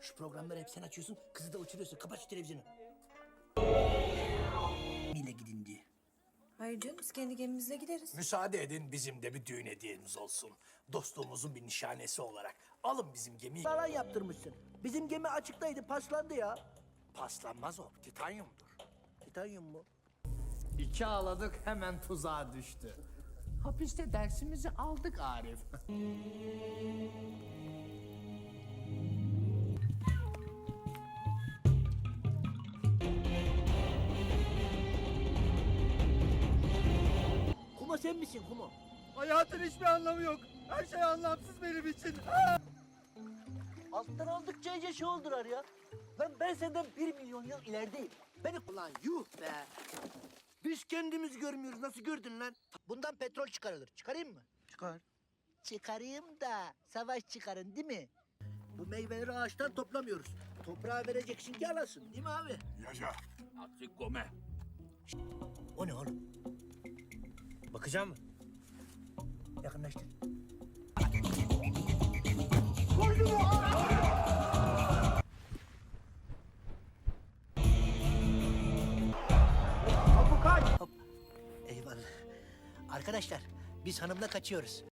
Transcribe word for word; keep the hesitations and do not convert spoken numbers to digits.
Şu programları hep sen açıyorsun, kızı da uçuruyorsun. Kapat şu televizyonu. Mille gidin diye. Hayır canım, biz kendi gemimizle gideriz. Müsaade edin, bizim de bir düğün hediyemiz olsun. Dostluğumuzun bir nişanesi olarak. Alın bizim gemiyi. Falan yaptırmışsın. Bizim gemi açıktaydı, paslandı ya. Paslanmaz o, titanyumdur. Titanyum mu? İki ağladık hemen tuzağa düştü. Hapiste dersimizi aldık Arif. Kuma sen misin Kuma? Hayatın hiçbir anlamı yok. Her şey anlamsız benim için. Alttan aldıkça iyice şey oldular ya. Lan ben senden bir milyon yıl ilerideyim. Beni ulan yuh be. Biz kendimiz görmüyoruz. Nasıl gördün lan? Bundan petrol çıkarılır. Çıkarayım mı? Çıkar. Çıkarayım da savaş çıkarın değil mi? Bu meyveleri ağaçtan toplamıyoruz. Toprağa vereceksin ki alasın değil mi abi? Yaşa. Artık gome. O ne oğlum? Bakacağım mı? Yakınlaştır. Hop. Eyvallah. Arkadaşlar biz hanımla kaçıyoruz.